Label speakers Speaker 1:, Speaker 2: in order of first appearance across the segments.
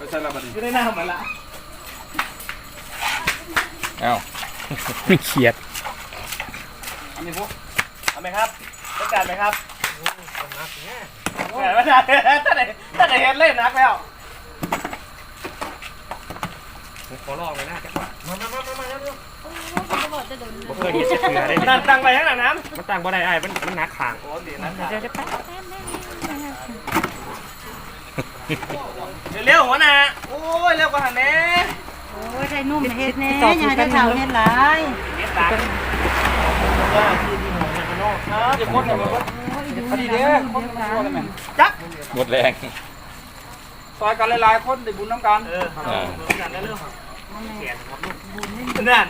Speaker 1: ไปใส่ละบัดนี้
Speaker 2: อยู่ในน้ำมันละ
Speaker 3: เอ้า
Speaker 4: ไม่เขียด
Speaker 1: อันนี้พวก
Speaker 2: เอาไหมครับต้องการไหมครับไม่ได้ถ้าไหนเห็นเล่นนักแล้ว
Speaker 4: ขอลองเลยนะมา
Speaker 5: บ่
Speaker 4: เคยเห็นจะเสือได้
Speaker 2: นั่นตั้งไปข้างหลังน้
Speaker 4: มันตั้งบ่ได้ไอ้มันหนักขาง
Speaker 2: ำโอ้ดีนะ
Speaker 5: เดี๋ยวแป๊บ
Speaker 2: เร็วหัวหน้าโอ้ยเร็วกว่าหันแน่
Speaker 5: โอ้ยได้นุ่มเฮ็ดแน่อย่าได้เฒ่าเฮ็ดหลาย
Speaker 2: เฮ็ดตังครับจะคนกันหมด
Speaker 1: พอดีเด้อคนกันมาเลยแม่
Speaker 2: จัก
Speaker 3: หมดแรง
Speaker 1: ซอยกันหลายๆคนได้บุญน้ำกัน
Speaker 2: กันแล้วเรื่องเขียนครับนั่น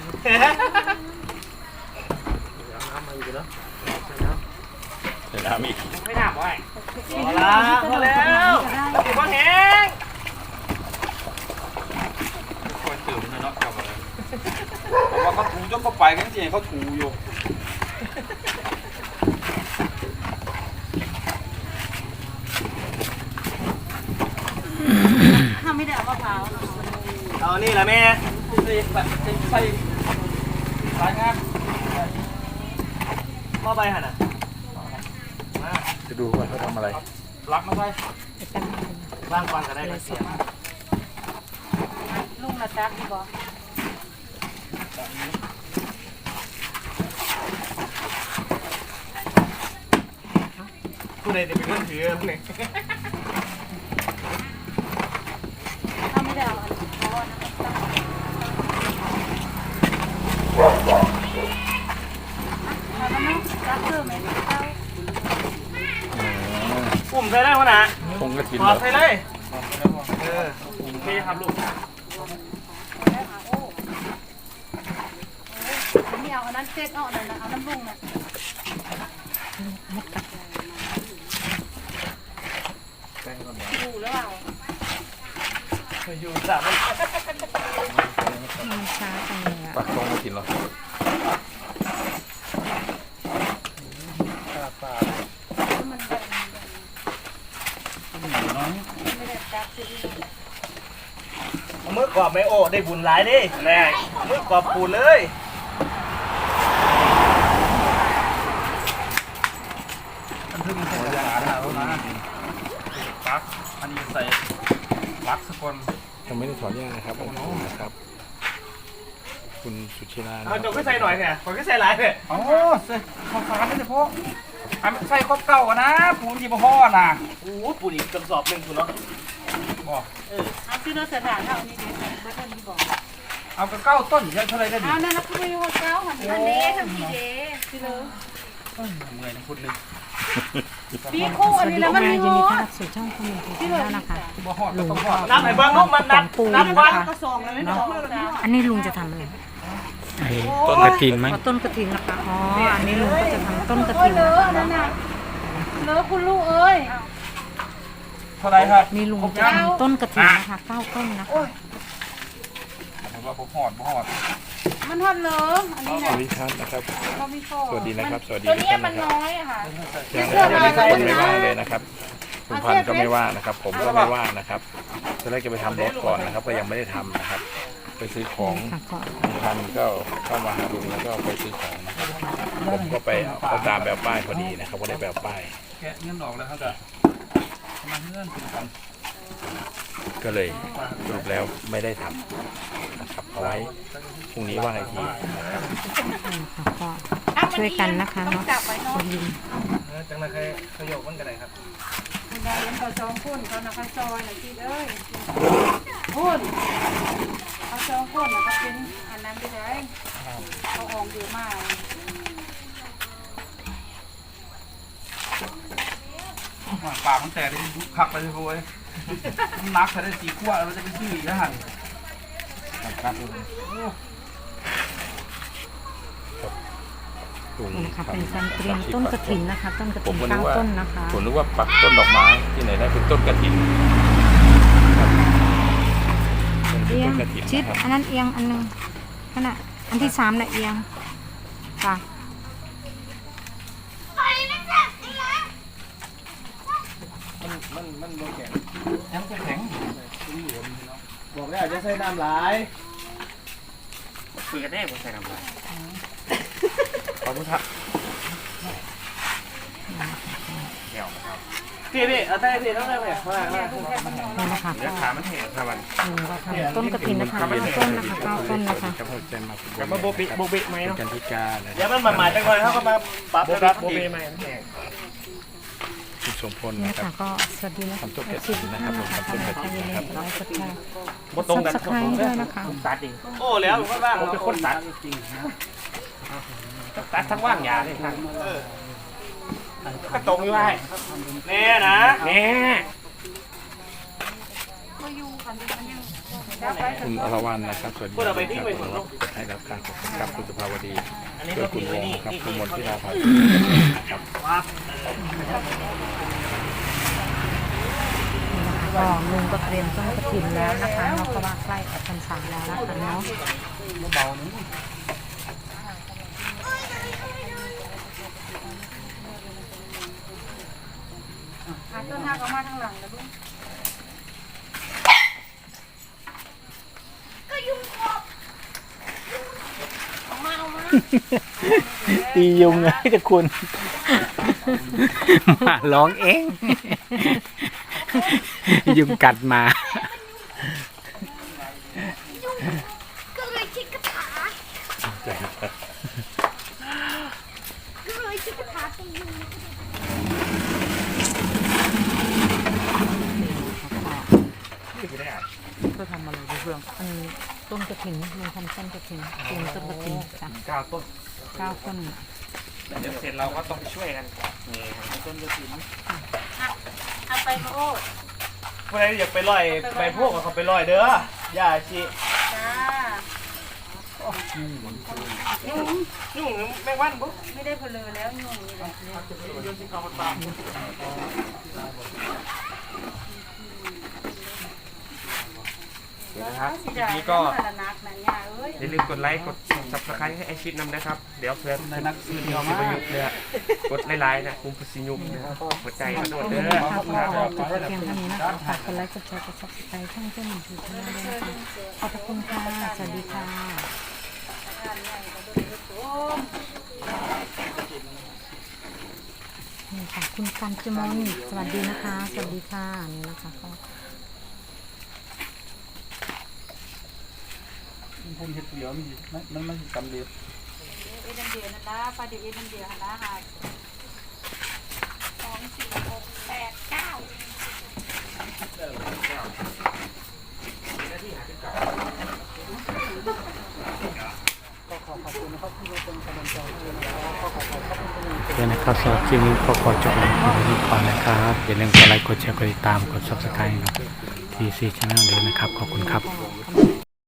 Speaker 3: เดี๋ยวน้ำอีก
Speaker 2: ไม่ถามว่าพอแล้วพอแล้วติดบอลแห้ง
Speaker 1: คนตื่นเนาะกลับมาเพราะว่าเขาถูจนเขาไปกันจริงเขาถูอยู่
Speaker 5: ถ้าไม่ได้เอามะพร้าว
Speaker 2: เอานี่แหละแม่
Speaker 1: ใส่สายงาน
Speaker 2: พ่อไปหันอ่ะ
Speaker 3: จะดูว่าเขาทำอะไร
Speaker 1: รักมาใส่
Speaker 2: ร่างฟันก็ได้เสีย
Speaker 5: ลุงน่ะจักดีบ่
Speaker 2: ผู้ใดจะเป็นคนถือเนี่ย
Speaker 5: ถ้าไม่ได้เอาอันนี้เพราะว่ามันต้องจักเพิ่มไหมเจ้า
Speaker 2: ปุ่มใส่ได้หัวหน้า
Speaker 3: คงกระถิน
Speaker 2: ป
Speaker 3: เห
Speaker 2: อ
Speaker 3: ร
Speaker 2: ด
Speaker 3: อ
Speaker 2: ใส่เลยโอเคครับลูก
Speaker 5: ไม่เอาอันนั้นเซ็ตเอาอันนั้นเอาน้ำลุงน่ะ อยู่หรือเปล่า
Speaker 2: อยู่สาม
Speaker 5: ช้าจังเลยอ่ะ
Speaker 3: ปักคงกระถินเหรอ
Speaker 2: มือกรอบไม่โอ้ได้บุญหลายดิแน่มือกรอบปูเลยปักอันนี้ใส่ปักสกล
Speaker 3: ยังไม่ได้ถอนหญ้านะครับขอบคุณนะครับ คุณสุชิรา
Speaker 2: เอาจงก็ใส่หน่อยเนี่ยผมก็ใส่หลายเนี่ย
Speaker 1: อ๋อใส่ข้าวสารนี่เฉพาะใส่ครบเก่ากันนะปูนที่บ่ห่อน่ะ
Speaker 2: โอ้ปูอีกกระสอบหนึ่งคุณเนาะ
Speaker 1: บอก
Speaker 5: เอาซื้อรถสถานเท่านี้เด็กเบอร์เท่านี้บอก
Speaker 1: เอากระเก้าต้นยังเท่าไรได้ดิ
Speaker 5: เอานั่นนะคือไม่รู้ว่าเจ้าหันอันนี้ทำกี่เด้ซื้อเลย
Speaker 1: เมื่อยนะพูดนึง
Speaker 5: ปีคู่อันนี้แล้วมันมีหัว
Speaker 6: สู่ช่องคอมเมนต์ที่แล้วนะคะ
Speaker 1: บ่ห่อก็ต้องห่อ
Speaker 2: นับไหนบ้างลูกมันนับวัน
Speaker 5: ก็ซองเลยไม่ต้อง
Speaker 6: อันนี้ลุงจะทำอะไร
Speaker 4: ไอ้ต้นกระถินมั้ง
Speaker 6: อ๋อต้นกระถินนะคะ อ๋อ อันนี้ลุงก็จะทำต้นกระ
Speaker 5: โอ้
Speaker 6: ถิ
Speaker 5: ย
Speaker 6: น
Speaker 5: เล
Speaker 6: นะ
Speaker 5: อะ
Speaker 6: คะ
Speaker 5: นั่นน่ะเลอะคุณลูกเอ้ย
Speaker 1: เท่าไรครับ
Speaker 6: นี่ลุงจะทำต้นกระถินนะคะ9ต้นนะคะ
Speaker 1: ผมว่าบ่ห่อบ่ห่อ
Speaker 5: มันทอดเลอะอันนี้
Speaker 3: ส
Speaker 5: นะ
Speaker 3: วัสดีครับนะครับ
Speaker 5: เราไม่ชอบ
Speaker 3: สวัสดีนะครับ สวัสดี
Speaker 5: ตัว
Speaker 3: ทุก
Speaker 5: นี้
Speaker 3: ท่าน
Speaker 5: มัน
Speaker 3: นะครับ
Speaker 5: น้อยอะค่ะ
Speaker 3: ยังไม่ว่าเลยนะครับ คุณพันธุ์ก็ไม่ว่านะครับ ผมก็ไม่ว่านะครับตอนแรกจะไปทำรถก่อนนะครับ ก็ยังไม่ได้ทำนะครับ ไปซื้อของ
Speaker 6: ค่ะก็
Speaker 3: คุณพันธุ์ก็เข้ามาหาลุงแล้วก็ไปซื้อของนะครับผมก็ไปเอาตามแบบป้ายพอดีนะครับก็ได้แบบป้าย
Speaker 1: แกะเงินออกแล้วครับจ้ะมาเงินถึงกัน
Speaker 3: ก็เลยสรุปแล้วไม่ได้ทำนะครับเอาไว้พรุ่งนี้ว่าอีกทีนะครับ
Speaker 6: ค่ะก็ช่วยกันนะคะเนาะคุณลุง
Speaker 2: จังเลยขยโยกมันกันไหนครับ
Speaker 5: คุณยายยังต่อสองคนเขานะคะซอยหน่อยที่เอ้ยคุณเอาสองคนนะคะเป็นอันนั้นไปเลยเขาออกเยอะมาก
Speaker 1: ปากมันแตกได้คักไปเลยโว้ยนักใช้ได้4 ขวดเราจะไปซื้ออีกนะฮะครับ
Speaker 3: ลุง
Speaker 6: นะคะเป็นการเตรียมต้นกระถินนะคะ ต้นกระ
Speaker 3: ผ
Speaker 6: ถิ
Speaker 3: ม
Speaker 6: น
Speaker 3: ก็นึกว่า
Speaker 6: 9ต้นนะคะ
Speaker 3: ผมนึกว่าปักต้นดอกไม้ที่ไหนได้เป็นต้นกระถินเป็น
Speaker 6: เอีย
Speaker 3: ต้
Speaker 6: ง
Speaker 3: นกระถิน
Speaker 6: ชิด
Speaker 3: นะครับ
Speaker 6: อันนั้นเอียงอันหนึงขณะอันที่3น่ะเอียงค่ะ
Speaker 1: มันโดนแข็งยังแข็ง
Speaker 2: บอกแล้วจะใส่น้ำหลาย
Speaker 4: คุยกันแน่ผมใส่น้ำลายขอบคุณครับเดี๋ยวนะครับ
Speaker 2: พี่เอาได้พี่ต้องได้ไหมมา
Speaker 6: นี่นะคะ
Speaker 4: เดี๋ยวขามันแห้งครับวัน
Speaker 6: ก็ทำต้นกระถินนะคะ9 ต้นนะคะ9 ต้นนะคะ
Speaker 3: กับหัวใจมา
Speaker 4: กับมาโบบิไหม
Speaker 3: เป็น
Speaker 4: เนาะ
Speaker 3: กันที่การนะ
Speaker 2: เดี๋ยวมันหมาดๆจังเลยเขาก็มาปรับนะครับ
Speaker 4: โบบิไหมมันแห้ง
Speaker 3: คุณสมพล
Speaker 6: นี่
Speaker 3: นะครั
Speaker 6: ค่ะ
Speaker 3: บ
Speaker 6: ก็สวัสดีนะคะ
Speaker 3: ทำต้นกระถินนะครับผมทำต้นกระถินนะครับ
Speaker 6: ไลค์กดแชร์
Speaker 4: โบตรงกัน
Speaker 6: ซับสไครต์ด้วยนะคะ
Speaker 4: ผมตัดเอง
Speaker 2: โอ้แล้วผมก็ว่าง
Speaker 4: ผมเป็นคนตัดตัดทั้งว่างยาเลยครับก็ตรงอยู่ไว้
Speaker 2: แน่นะ
Speaker 4: แน่
Speaker 3: คุณอรวรรณนะครับสวัสดีครับให้รับการขอบคุณครับคุณสุภาวดี
Speaker 2: อันนี้
Speaker 3: เพื่
Speaker 2: เรา
Speaker 3: อคุ
Speaker 2: ทิ้
Speaker 3: ณ
Speaker 2: ง
Speaker 3: ว
Speaker 2: ไว้
Speaker 3: ง
Speaker 2: นี่
Speaker 3: ครับคุณมนทิราภาครับ
Speaker 6: ก็ลุงก็เตรียมต้นกระถินแล้วนะคะเนาะเพราะว่าใกล้ออกพรรษาแล้วนะคะเนาะ
Speaker 5: ต้นหักออกมาทางหลังนะลูก
Speaker 4: ตียุงไงจะคุณ
Speaker 7: มาร้องเอง ยุงกัดมา
Speaker 8: ก็เลยคิดคาถาก็เลยคิดคาถาตียุง
Speaker 6: ก็ทำอะไรเรื่องอันนี้ต้นกระถินลุงทำต้นกระถินลุงต้นกระถินจ้ะ
Speaker 4: 9 ต้น
Speaker 6: 9 ต้น
Speaker 4: เดี๋ยวเสร็จเราก็ต้องช่วยกัน
Speaker 5: เอาไปมาโอ้
Speaker 2: เมื่อไรอยากไปลอยไปพวกเขาไปลอยเด้อย่าชี
Speaker 5: จ้า
Speaker 2: ยุ่งแมงวันปุ๊บ
Speaker 5: ไม่ได้เพลอแล้วยุ่งนี่แหละ
Speaker 4: นะครับที
Speaker 5: นี้
Speaker 4: นี้
Speaker 5: ก็
Speaker 4: ก็
Speaker 5: นักนะเนี่ยเอ้ย
Speaker 4: อย่าลืมกดไลค์กด subscribe ให้ไอชิดนำนะครับ เดี๋ยวเพื่อน
Speaker 1: ในนักซื้อเดียว
Speaker 4: สิ
Speaker 1: มา
Speaker 4: บยุกเนี่ยกดไลค์นะคุมพุสิยุกนะครับหัวใจมาโดดเด้อ
Speaker 6: ค่ะก็
Speaker 4: ครับ
Speaker 6: จบไปเพียงเท่านี้นะคะฝากกดไลค์กดแชร์กดซับสไครต์ช่องเจ้าหนึ่งคือช่องด้วยนะคะขอบพระคุณค่ะสวัสดีค่ะนี่ค่ะคุณกันจมนสวัสดีนะคะ สวัสดีค่ะนี่นะคะก็
Speaker 1: ผมเห็ดเดียวมันกำเดียว
Speaker 5: เอ็นเดียวนั่นละปลาเดียวเอ็นเดียวหันละค่ะ2 4 6 8 9
Speaker 7: เดี๋ยวนะครับสำหรับคลิปนี้ก็ขอจบลงเพียงเท่านี้ก่อนนะครับ อย่าลืมกดไลค์กดแชร์กดติดตามกด subscribe ทีซีชาแนลด้วยนะครับ ขอบคุณครับ
Speaker 6: ก็